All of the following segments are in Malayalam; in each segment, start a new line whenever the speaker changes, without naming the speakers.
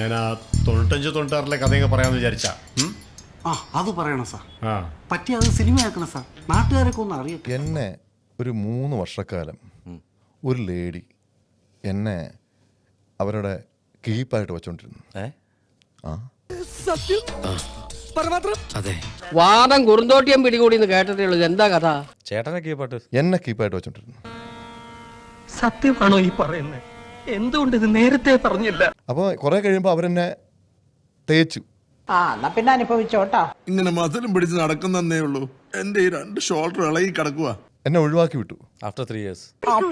ഞാൻ ആ 95-96 കഥയൊക്കെ പറയാമെന്ന് വിചാരിച്ചാ.
അത് പറയണം സാർ. പറ്റി അത് സിനിമയാക്കണം സാർ. നാട്ടുകാരൊക്കെ ഒന്ന് അറിയട്ടെ.
എന്നെ ഒരു 3 വർഷക്കാലം ഒരു ലേഡി എന്നെ അവരുടെ കീപ്പായിട്ട് വെച്ചോണ്ടിരുന്നു.
വാദം കുറുന്തോട്ടിയം പിടികൂടി കേട്ടിട്ടേ ഉള്ളൂ. എന്താ കഥ?
ചേട്ടനെ കീപ്പാട്ട്
എന്നെ കീപ്പായിട്ട് വെച്ചോണ്ടിരുന്നു.
സത്യമാണോ ഈ പറയുന്നത്? എന്തുകൊണ്ട് ഇത് നേരത്തെ പറഞ്ഞില്ല?
അപ്പോൾ കുറെ കഴിയുമ്പോൾ അവരെന്നെ തേച്ചു.
പിന്നെ അനുഭവിച്ചോട്ടാ.
ഇങ്ങനെ മസിലും പിടിച്ച് നടക്കുന്നേ ഉള്ളൂ. എന്റെ ഈ 2 ഷോൾഡർ ഇളകി കിടക്കുക.
എന്നെ ഒഴിവാക്കി വിട്ടു.
After 3 years.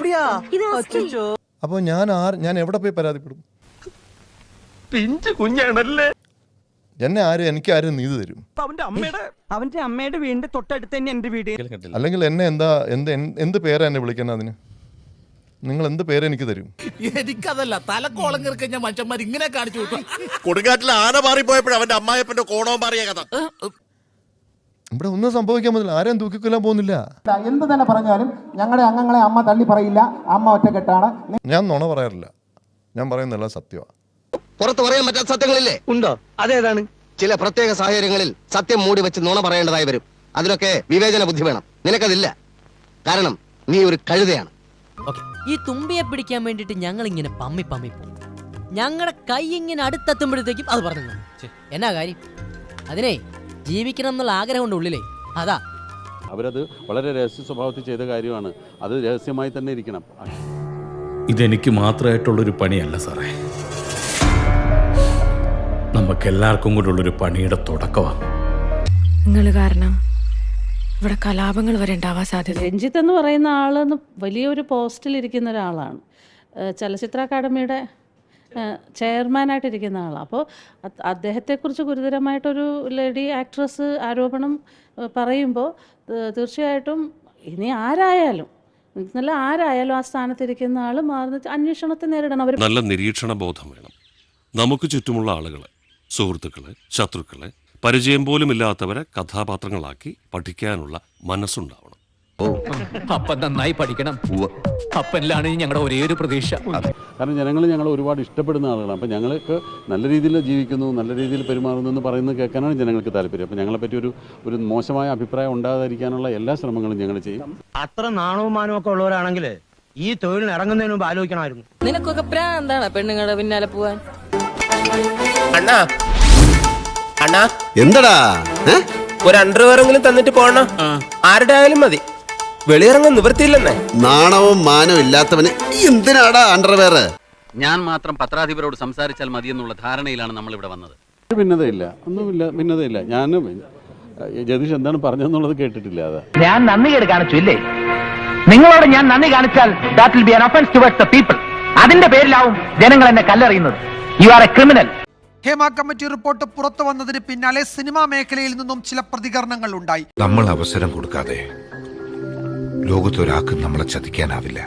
അപ്പോൾ ഞാൻ എവിടെ പോയി പരാതിപ്പെടും?
പിഞ്ചു കുഞ്ഞാണല്ലേ.
എനിക്ക് ആരും നീതി തരും?
അവന്റെ അമ്മയുടെ വീടിന്റെ തൊട്ടടുത്ത് തന്നെ എന്റെ വീട്.
അല്ലെങ്കിൽ എന്നെ എന്ത് പേരാ എന്നെ വിളിക്കുന്നത്? അതിന് നിങ്ങൾ എന്ത് പേര് എനിക്ക് തരും?
എനിക്കതല്ല, തലക്കോളം കിറക്കഞ്ഞ മനുഷ്യന്മാർ ഇങ്ങനെ കാണിച്ചു വിട്ടു.
കൊടുങ്കാട്ടിൽ ആന മാറിപ്പോയപ്പോഴും അവന്റെ അമ്മായപ്പന്റെ കോണവും മാറിയ കഥ.
ഇവിടെ ഒന്നും സംഭവിക്കാൻ പറ്റില്ല. ആരെയും തൂക്കിക്കൊല്ലാൻ പോകുന്നില്ല.
എന്ത് തന്നെ പറഞ്ഞാലും ഞങ്ങളുടെ അംഗങ്ങളെ അമ്മ തള്ളി പറയില്ല. അമ്മ ഒറ്റക്കെട്ടാണ്.
ഞാൻ നുണ പറയാറില്ല. ഞാൻ പറയുന്നതെല്ലാം സത്യമാണ്.
പുറത്ത് പറയാൻ പറ്റാത്ത സത്യങ്ങളില്ലേ?
ഉണ്ടോ? അതേതാണ്?
ചില പ്രത്യേക സാഹചര്യങ്ങളിൽ സത്യം മൂടി വെച്ച് നുണ പറയേണ്ടതായി വരും. അതിനൊക്കെ വിവേചന ബുദ്ധി വേണം. നിനക്കതില്ല. കാരണം നീ ഒരു കഴുതയാണ്.
ഈ തുമ്പിയെ പിടിക്കാൻ വേണ്ടിട്ട് ഞങ്ങൾ ഇങ്ങനെ പമ്മി പോകും. ഞങ്ങളുടെ കൈ ഇങ്ങനെ അടുത്തെത്തുമ്പോഴത്തേക്കും അത് പറഞ്ഞു. എന്നാ കാര്യം? അതിനെ ജീവിക്കണം എന്നുള്ള ആഗ്രഹമുണ്ട് ഉള്ളിലേ. അതാ
അവരത് വളരെ രഹസ്യ സ്വഭാവത്തിൽ ചെയ്ത കാര്യമാണ്. അത് രഹസ്യമായി തന്നെ ഇരിക്കണം.
ഇതെനിക്ക് മാത്രമായിട്ടുള്ളൊരു പണിയല്ല സാറേ, നമുക്കെല്ലാവർക്കും കൂടെ ഉള്ളൊരു പണിയുടെ തുടക്കമാണ്.
നിങ്ങൾ കാരണം ഇവിടെ കലാപങ്ങൾ വരെ ഉണ്ടാവാൻ സാധ്യത.
രഞ്ജിത്ത് എന്ന് പറയുന്ന ആളെന്ന് വലിയൊരു പോസ്റ്റിലിരിക്കുന്ന ഒരാളാണ്. ചലച്ചിത്ര അക്കാദമിയുടെ ചെയർമാനായിട്ടിരിക്കുന്ന ആളാണ്. അപ്പോൾ അദ്ദേഹത്തെക്കുറിച്ച് ഗുരുതരമായിട്ടൊരു ലേഡി ആക്ട്രസ് ആരോപണം പറയുമ്പോൾ തീർച്ചയായിട്ടും ഇനി ആരായാലും ആ സ്ഥാനത്തിരിക്കുന്ന ആൾ മാറുന്ന അന്വേഷണത്തെ നേരിടണം. അവർ
നല്ല നിരീക്ഷണ ബോധം വേണം. നമുക്ക് ചുറ്റുമുള്ള ആളുകളെ, സുഹൃത്തുക്കളെ, ശത്രുക്കളെ, പരിചയം പോലും ഇല്ലാത്തവരെ കഥാപാത്രങ്ങളാക്കി പഠിക്കാനുള്ള മനസ്സുണ്ടാവണം.
അപ്പൻ നന്നായി പഠിക്കണം. അപ്പനിലാണ് ഞങ്ങളുടെ ഒരേ ഒരു പ്രതീക്ഷ.
കാരണം ഞങ്ങൾ ഒരുപാട് ഇഷ്ടപ്പെടുന്ന ആളുകളാണ്. അപ്പം ഞങ്ങൾക്ക് നല്ല രീതിയിൽ ജീവിക്കുന്നു, നല്ല രീതിയിൽ പെരുമാറുന്നു എന്ന് പറയുന്നത് കേൾക്കാനാണ് ജനങ്ങൾക്ക് താല്പര്യം. അപ്പം ഞങ്ങളെപ്പറ്റി ഒരു മോശമായ അഭിപ്രായം ഉണ്ടാകാതിരിക്കാനുള്ള എല്ലാ ശ്രമങ്ങളും ഞങ്ങൾ ചെയ്യും.
അത്ര നാണവും മാനവും ഒക്കെ ഉള്ളവരാണെങ്കിൽ ഈ തൊഴിലിന് ഇറങ്ങുന്നതിന് മുമ്പ് ആലോചിക്കണമായിരുന്നു.
നിനക്കൊക്കെ പ്രാന്താണ് പെണ്ണുങ്ങളുടെ പിന്നാലെ പോവാൻ.
അണ്ണാ
എന്തടാ?
ഒരു അണ്ടർവെയറെങ്കിലും തന്നിട്ട് പോണ. ആരുടെ ആയാലും മതി. വെളിയിറങ്ങാൻ നിവൃത്തിയില്ലെന്നേ.
നാണവും മാനവും ഇല്ലാത്തവന് എന്തിനാടാ അണ്ടർവെയർ?
ഞാൻ മാത്രം പത്രാധിപരോട് സംസാരിച്ചാൽ മതിയെന്നുള്ള ധാരണയിലാണ് നമ്മൾ ഇവിടെ വന്നത്.
ഭിന്നതയില്ല, ഒന്നുമില്ല, ഭിന്നതയില്ല. ഞാൻ ജതീഷ് എന്താണ് പറഞ്ഞതെന്നുള്ളത് കേട്ടിട്ടില്ല. അത്
ഞാൻ നന്ദി കേട് കാണിച്ചില്ലേ? നിങ്ങളോട് ഞാൻ നന്ദി കാണിച്ചാൽ that will be an offense towards the people. അതിന്റെ പേരിലാവും ജനങ്ങൾ എന്നെ കല്ലെറിയുന്നത്. You are a criminal.
Hema committee report പുറത്തു വന്നതിന് പിന്നാലെ സിനിമാ മേഖലയിൽ നിന്നും ചില പ്രതികരണങ്ങൾ ഉണ്ടായി.
നമ്മൾ അവസരം കൊടുക്കാതെ ലോകത്തൊരാൾക്കും നമ്മളെ ചതിക്കാനാവില്ല.